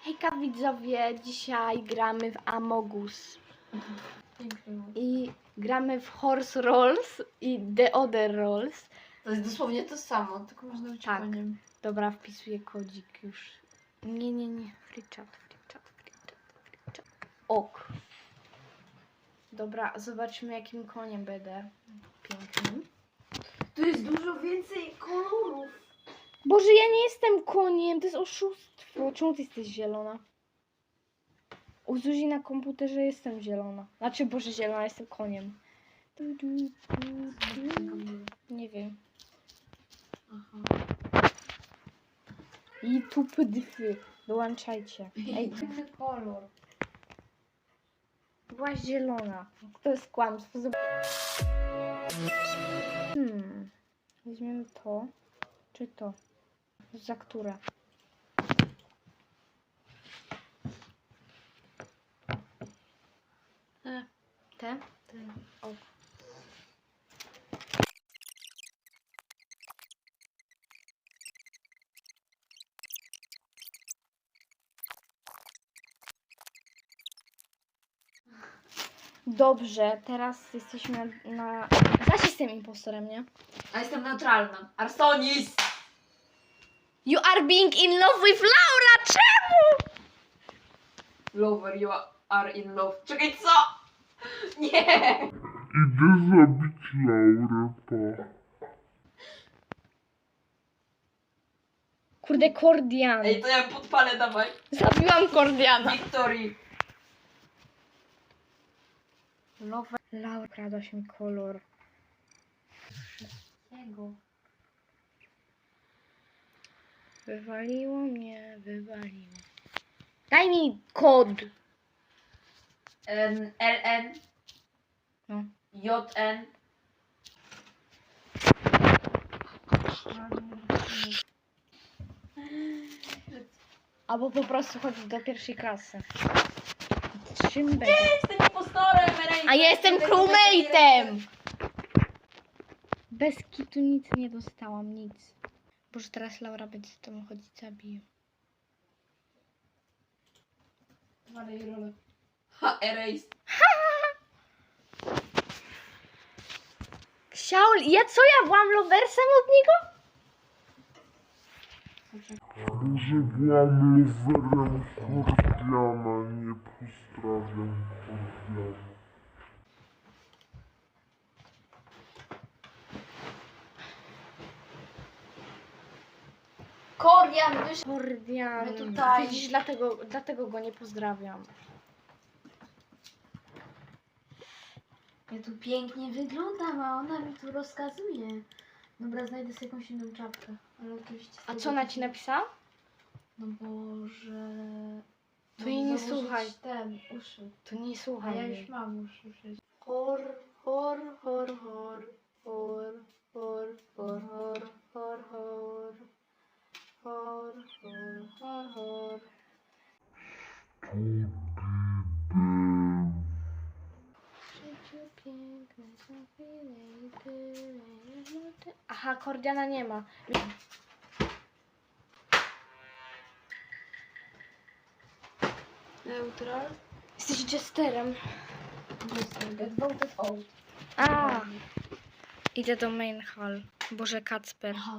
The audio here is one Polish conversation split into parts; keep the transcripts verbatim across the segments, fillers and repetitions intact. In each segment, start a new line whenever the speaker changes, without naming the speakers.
Hejka widzowie, dzisiaj gramy w Among Us. I gramy w Horse Rolls i The Other Rolls.
To jest dosłownie to samo, tylko można być
Tak.
koniem.
Dobra, wpisuję kodzik już. Nie, nie, nie. Free chat, free chat, free chat, free chat. Ok. Dobra, zobaczmy jakim koniem będę. Pięknym.
Tu jest dużo więcej kolorów.
Boże, ja nie jestem koniem, to jest oszustwo. Czemu ty jesteś zielona? U Zuzi na komputerze jestem zielona. Znaczy, Boże, zielona, jestem koniem. Du, du, du, du. Nie wiem.
Aha.
I tu pdfy. Dołączajcie. Ej, tu
Inny kolor.
byłaś zielona. To jest kłamstwo. Zob- Hmm. Weźmiemy to. Czy to? Za które?
E,
Te?
te.
O. Dobrze, teraz jesteśmy na... na... Zaś jestem impostorem, nie?
A jestem neutralna. Arsonis!
You are being in love with Laura! Czemu?
Lover, you are in love. Czekaj, co? Nie!
Idę zabić Laurę, pa.
Kurde, Kordian.
Ej, to ja podpalę, dawaj.
Zabiłam Kordiana.
Victory.
Love. Laura, kradłaś mi kolor. Wszystkiego. Wywaliło mnie, wywaliło. Daj mi kod.
N, L N.
No.
J N.
Albo po prostu chodzić do pierwszej klasy. Czym będzie?
Jestem impostorem, Ray.
A ja jestem crewmate'em! Bez kitu nic nie dostałam, nic. Boże, teraz Laura będzie z tobą chodzić, zabiję.
Walej rolę. Ha, erase.
Ksiaul, ja co, ja byłam loversem od niego?
Może byłam loverem Kordiana, nie pozdrawiam Kordiana.
Kordian, wysz...
Kordian.
My tutaj-
Widzisz, dlatego, dlatego go nie pozdrawiam.
Ja tu pięknie wyglądam, a ona mi tu rozkazuje. Dobra, znajdę sobie jakąś inną czapkę. Ale oczywiście...
A co ona ci napisała?
No bo, że...
To jej nie
założyć
słuchaj.
ten, uszy.
To nie
A
słuchaj
ja
jej.
już mam uszy przecież. Hor, hor, hor, hor. Hor, hor, hor, hor, hor, hor. Hor, hor, hor, hor.
Aha, Kordiana nie ma.
Neutral.
Jesteś jesterem.
Get voted out.
A, idę do main hall. Boże, Kacper.
Aha.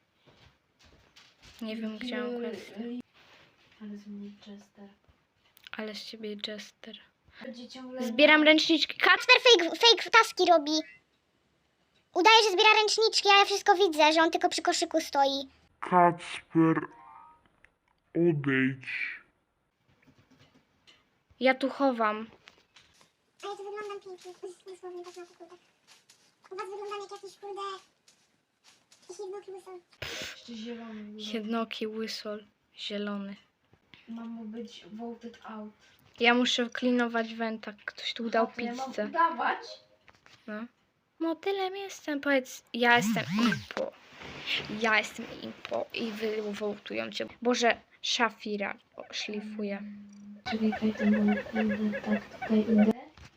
Nie wiem, gdzie mam quest.
Ale z mnie Chester.
Ale z ciebie jester.
Będzie ciągle...
Zbieram ręczniczki. Kacper!
Kacper fake, fake taski robi. Udaje, że zbiera ręczniczki, a ja wszystko widzę, że on tylko przy koszyku stoi.
Kacper, odejdź.
Ja tu chowam.
A ja tu wyglądam pięknie. Dosłownie tak na to, kurde. U was wyglądam jak jakiś, kurde... Jakiś jednoki łysol.
Jeszcze zielony. był.
Jednoki łysol. Zielony.
Mam mu być voted out.
Ja muszę klinować węta. Ktoś tu dał
A to ja mam
pizzę.
udawać?
No. Motylem jestem. Powiedz, ja jestem impo. Ja jestem impo. I wy wołtują cię. Boże, Szafira o, szlifuje.
Czekaj, Kajten, bo tak tutaj idę.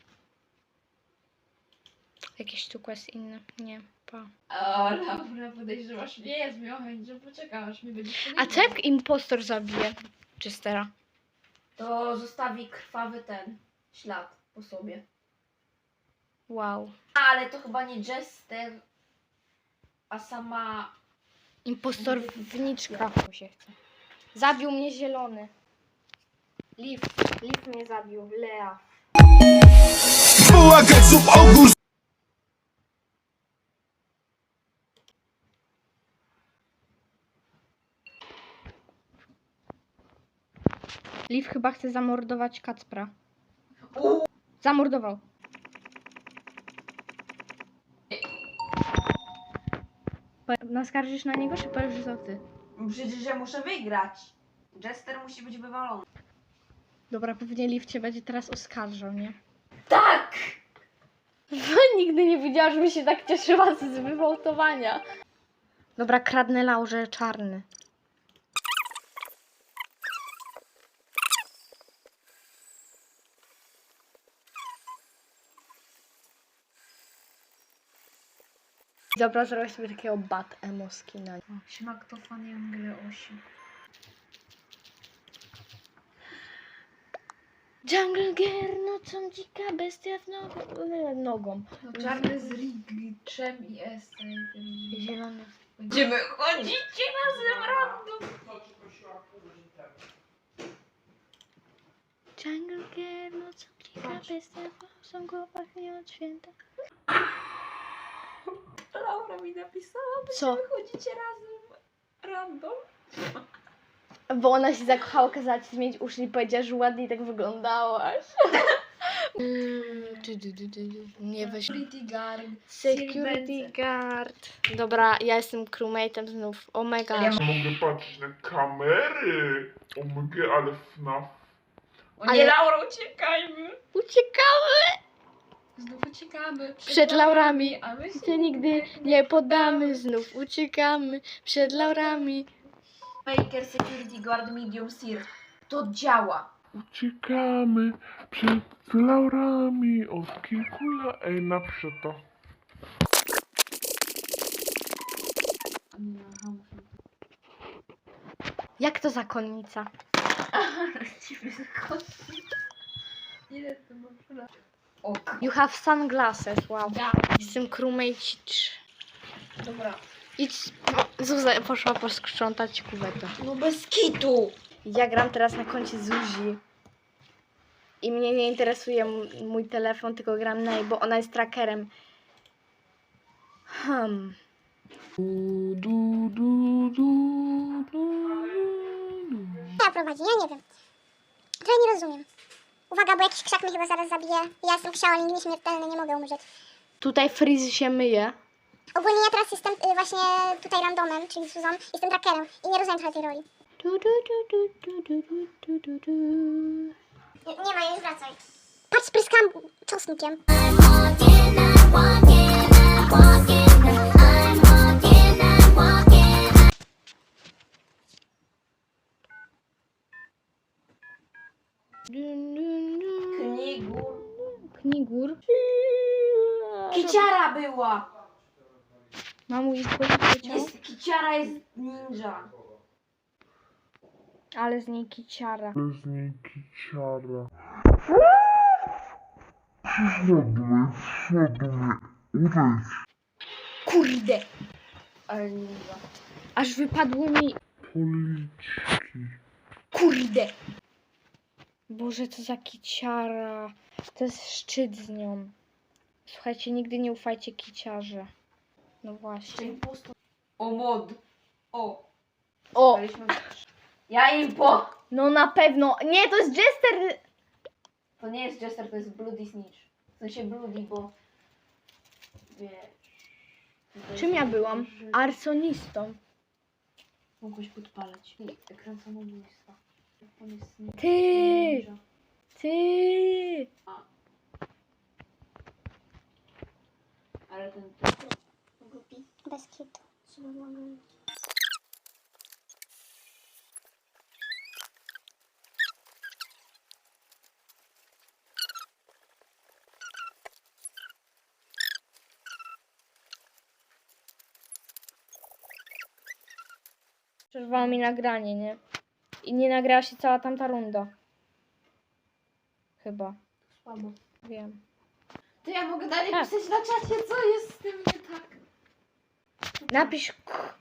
Jakieś tu quest inne? Nie. Pa.
O, Laura, podejrzewasz mnie, jest mi chęć, że poczekasz, mi będziesz
A co jak impostor zabije Chestera?
to zostawi krwawy ten ślad po sobie.
Wow.
Ale to chyba nie Jester, a sama...
Impostorowniczka mu się chce. Zabił mnie zielony. Liv. Liv mnie zabił. Lea. Liv chyba chce zamordować Kacpra. Zamordował. Po- Naskarżysz na niego, czy powiesz, że to ty?
Przecież ja muszę wygrać. Jester musi być wywalony.
Dobra, pewnie Liv cię będzie teraz oskarżał, nie?
Tak!
Nigdy nie widziałam, żeby się tak cieszyła z wywałtowania. Dobra, kradnę Laurze czarny. Dobra, zrobię sobie takiego bat emo skina.
Siema, kto fan Jungle osiem?
Jungle Girl, nocą dzika bestia z nogą. nogą.
No, czarny z Riglczem i Estem.
Zielony.
Będziemy chodzicie razem random.
Jungle Girl, nocą dzika bestia z nogą pachnie od święta.
Laura mi napisała,
Co?
będziemy chodzicie razem random.
Bo ona się zakochała, kazała ci zmienić uszy i powiedziała, że ładnie tak wyglądałaś. Nie weź.
Security guard.
Security guard. Dobra, ja jestem crewmate'em znów. Oh my gosh.
Mogę patrzeć na kamery. Omg, ale F N A F.
O
Ale-
nie, Laura, uciekajmy.
Uciekamy
Znów uciekamy.
przed laurami.
A my się
Się nigdy nie poddamy. Znów uciekamy przed laurami.
Baker Security Guard Medium Sear. To działa.
Uciekamy przed laurami od kilku lat. Ej, napiszę to.
Jak to zakonnica?
Ile to masz lat? O, k-
You have sunglasses. Wow.
da.
Jestem crewmate.
Dobra.
Idź. Zuza poszła posprzątać kuwetę.
No bez kitu.
Ja gram teraz na koncie Zuzi. I mnie nie interesuje m- mój telefon, tylko gram na jej, bo ona jest trackerem. Hmm. Du, du, du, du, du, du.
Ja prowadzi, ja nie wiem. Trochę nie rozumiem. Uwaga, bo jakiś krzak mnie chyba zaraz zabije. Ja jestem Shaolin, nieśmiertelny, nie mogę umrzeć.
Tutaj Freeze się myje.
Ogólnie ja teraz jestem y, właśnie tutaj randomem, czyli Suzan. Jestem trackerem i nie rozumiem trochę tej roli.
Du, du, du, du, du, du, du, du, du.
Nie, nie ma, już wracaj. Patrz, spryskam czosnkiem.
Dun, dun, dun.
Knigur.
Knigur.
Kiciara była.
Mamu i powiedział,
Jest, kiciara jest ninja.
ale z niej kiciara.
Bez niej kiciara. Przyszedłeś, przyszedłeś. Udejdź.
Kurde. Ale ninja.
Aż wypadły mi...
Policzki.
Kurde.
Boże, co za kiciara. To jest szczyt z nią. Słuchajcie, nigdy nie ufajcie kiciarze. No właśnie.
Impostor. O mod. O.
O!
Daliśmy... Ja impo.
No na pewno. Nie, to jest Jester!
To nie jest Jester, to jest Bloody Snitch. W sensie Bloody, bo... Wiesz... to
Czym ja
jest-
byłam?
że
Arsonistą.
Mogłeś podpalać. I ekran samobójstwa. On jest nie-
Ty!
ninja.
Ty!
Ale ten...
Głupi. Bez kitu. Trzeba było mówić.
Przerwała mi nagranie, nie? I nie nagrała się cała tamta runda. Chyba.
Słabo.
Wiem.
To ja mogę dalej
Tak.
pisać na czacie, co jest z tym nie tak.
Napisz k.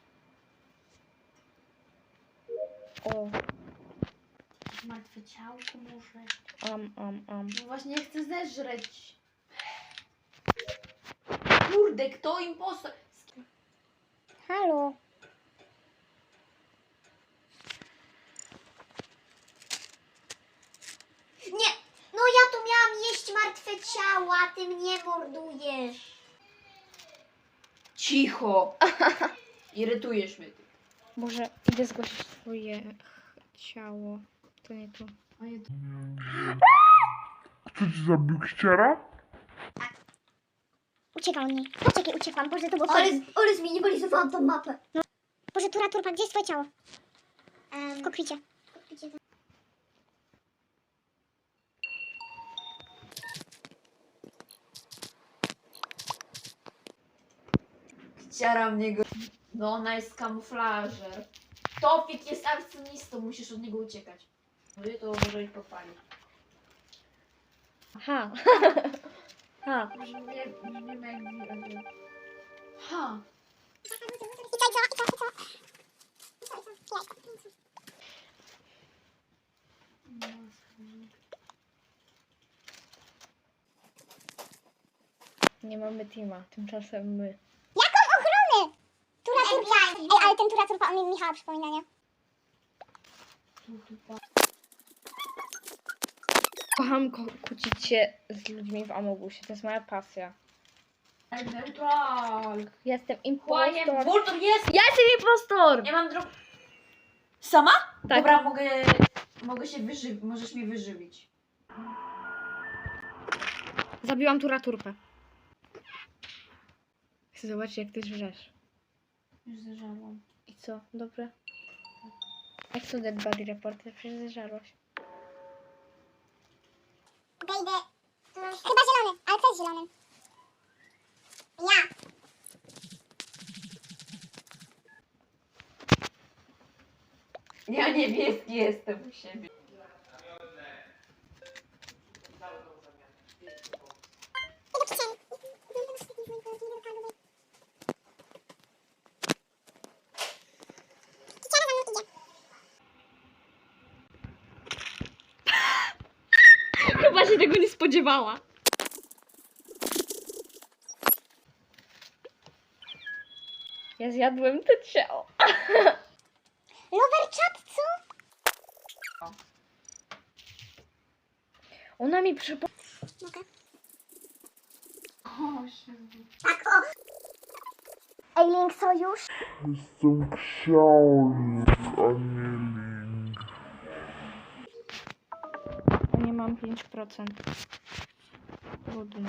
O,
Martwe ciałko może.
am, am, am.
No właśnie chcę zeżreć. Kurde, kto impostor?
Halo. Nie, no ja tu miałam jeść martwe ciała, a ty mnie mordujesz.
Cicho. Irytujesz mnie. ty.
Boże, idę zgłosić twoje ch- ciało. To nie tu.
A ja tu-
Kto ci zabił kiciara?
Uciekał mnie. Poczekaj, uciekłam. Boże, to było...
Ale, ale zminimalizowałam tą mapę.
Boże, tura, turpa, gdzie jest twoje ciało? W kokpicie.
Ciara mnie go. No ona jest kamuflażer. Topik jest arsonistą, musisz od niego uciekać. No i to może ich podpalić.
Aha. Ha.
Brzmi jak, brzmi jak... Ha.
I co, i co, i co, i co? I co, i co? Jajko.
Nie mamy teama, tymczasem my.
Jaką ochronę? Tura, turpa. Ej, ale ten tura, turpa, on mi Michała przypomina, nie?
Kocham ko- kłócić się z ludźmi w Amogusie, to jest moja pasja.
Neutral.
Jestem
Kłaniem.
impostor.
Vultur jest!
Ja jestem impostor!
Nie mam dro... Sama?
Tak.
Dobra, mogę... Mogę się wyżywić. Możesz mnie wyżywić.
Zabiłam tura turpę. Chcę zobaczyć, jak ty żresz.
Już zażarłam.
I co? Dobre? Jak to dead body report? Przecież zeżarłaś.
Okej, idę. Chyba zielony, ale kto jest zielonym? Ja.
Ja niebieski jestem u siebie.
Idę kieszeni. Kieciara za mną idzie.
Chyba się tego nie spodziewała. Ja zjadłem to ciało.
Lover chat, co?
Ona mi przypomniała.
Mogę.
O, się...
Tak, o. Ej, Link, sojusz?
Jestem książę, a nie link.
Nie mam pięć procent. Trudno.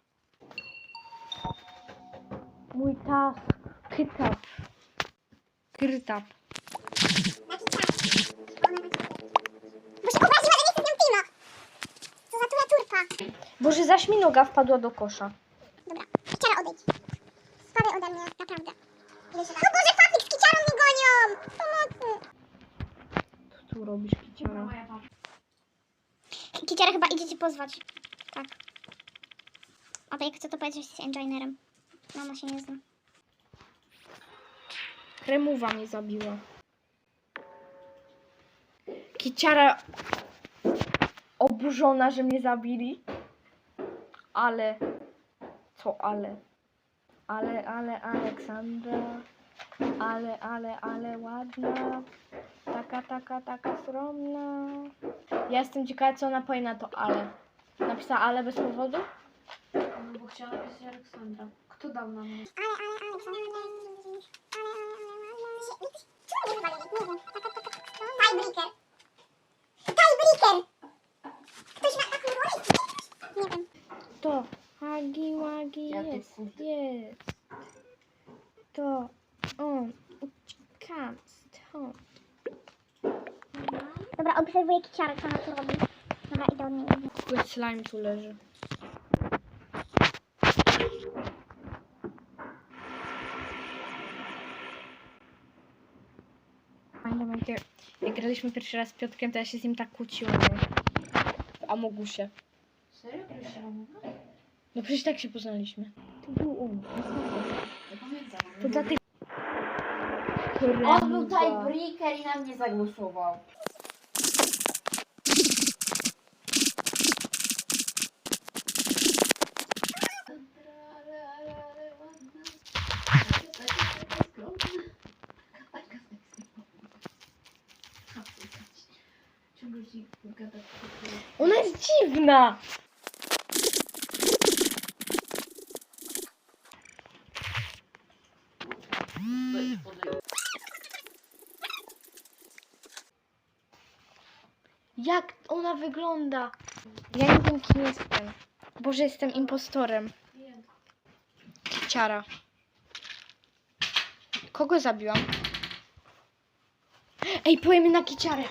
Mój task. Kytap. Krytap.
Jaki czas? Bo się obraziła, że nie chcę z nią teama. Co za tura, turpa.
Boże, zaś mi noga wpadła do kosza.
Dobra, Kiciara, odejdź. Spadaj ode mnie, naprawdę. Ile się da? No Boże, Fafik z Kiciarą mnie gonią! Pomocy!
Co tu robisz, kiciara?
Moja papa.
Kiciara chyba idzie cię pozwać. Tak. A to jak chcę to powiedzieć, że jesteś engineerem. Mama się nie zna.
Kremowa mnie zabiła. Kiciara oburzona, że mnie zabili. Ale... Co ale? Ale, ale, Aleksandra. Ale, ale, ale ładna. Taka, taka, taka skromna. Ja jestem ciekawa, co ona powie na to ale. Napisała ale bez powodu?
No bo chciała napisać Aleksandra. Kto dał na mnie?
Ale, ale, Aleksandra. Ale, ale, ale, ale. Czemu mnie wywalili? Nie wiem. Taka, taka, taka strona. Tiebreaker. Tiebreaker! Ktoś ma taką rolę? Nie wiem.
To. Hagi, łagi,
Ja tu
jest,
kurde.
jest. To. On. Uciekam stąd.
Dobra, obserwuję Kiciarę, co ona tu robi. Dobra, idę od niej.
Kurde, slime tu leży. Pamiętam, jak, ja- jak graliśmy pierwszy raz z Piotrkiem, to ja się z nim tak kłóciłam. nie? Amogusie.
Serio? Grałeś się mam?
No przecież tak się poznaliśmy. To był on.
Nie pamiętam.
To dla tych...
On był tiebreaker i na mnie zagłosował.
Ona jest dziwna! Jak ona wygląda? Ja nie wiem, kim jestem. Boże, jestem impostorem. Ciara. Kogo zabiłam? Ej, pojemy na kiciarę.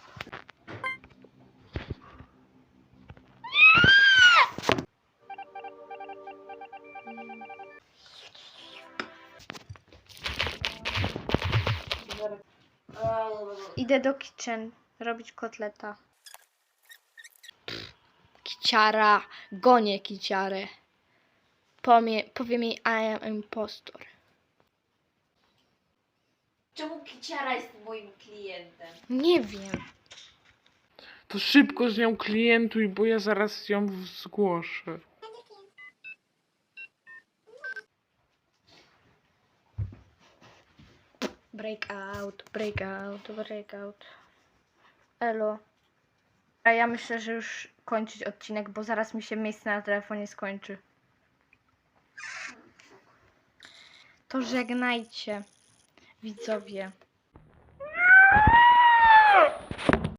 Idę do kitchen robić kotleta. Kiciara. Gonię kiciarę. Pomie, powiem jej I am impostor.
Czemu Kiciara jest moim klientem?
Nie wiem.
To szybko z nią klientuj, bo ja zaraz ją zgłoszę.
Breakout, breakout, breakout. Elo. A ja myślę, że już kończyć odcinek, bo zaraz mi się miejsce na telefonie skończy. To żegnajcie, widzowie.